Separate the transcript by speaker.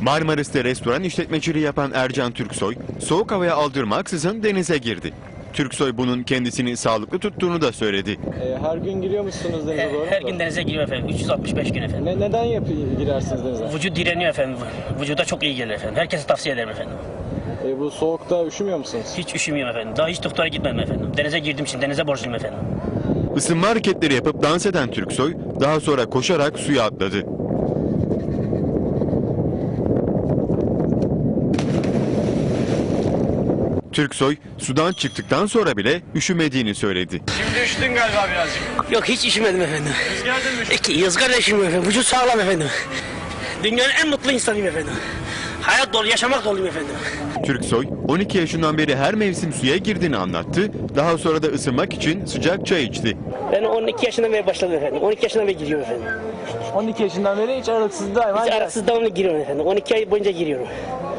Speaker 1: Marmaris'te restoran işletmeciliği yapan Ercan Türksoy, soğuk havaya aldırmaksızın denize girdi. Türksoy bunun kendisini sağlıklı tuttuğunu da söyledi.
Speaker 2: Her gün giriyor musunuz denize doğru?
Speaker 3: Her gün denize giriyor efendim. 365 gün efendim.
Speaker 2: Neden girersiniz denize?
Speaker 3: Vücut direniyor efendim. Vücuda çok iyi gelir efendim. Herkese tavsiye ederim efendim.
Speaker 2: Bu soğukta üşümüyor musunuz?
Speaker 3: Hiç üşümüyorum efendim. Daha hiç doktora gitmedim efendim. Denize girdiğim için denize borçluyum efendim.
Speaker 1: Isınma hareketleri yapıp dans eden Türksoy, daha sonra koşarak suya atladı. Türksoy, sudan çıktıktan sonra bile üşümediğini söyledi.
Speaker 2: Şimdi üşüdün galiba birazcık.
Speaker 3: Yok hiç üşümedim efendim.
Speaker 2: Rüzgarda mı üşüdün?
Speaker 3: Yazgar üşümüyorum efendim. Vücut sağlam efendim. Dünyanın en mutlu insanıyım efendim. Hayat dolu, yaşamak doluyum efendim.
Speaker 1: Türksoy, 12 yaşından beri her mevsim suya girdiğini anlattı. Daha sonra da ısınmak için sıcak çay içti.
Speaker 3: Ben 12 yaşından beri başladım efendim. 12 yaşından beri giriyorum efendim.
Speaker 2: 12 yaşından beri hiç aralıksız daima
Speaker 3: Hiç araksız devamlı giriyorum efendim. 12 ay boyunca giriyorum.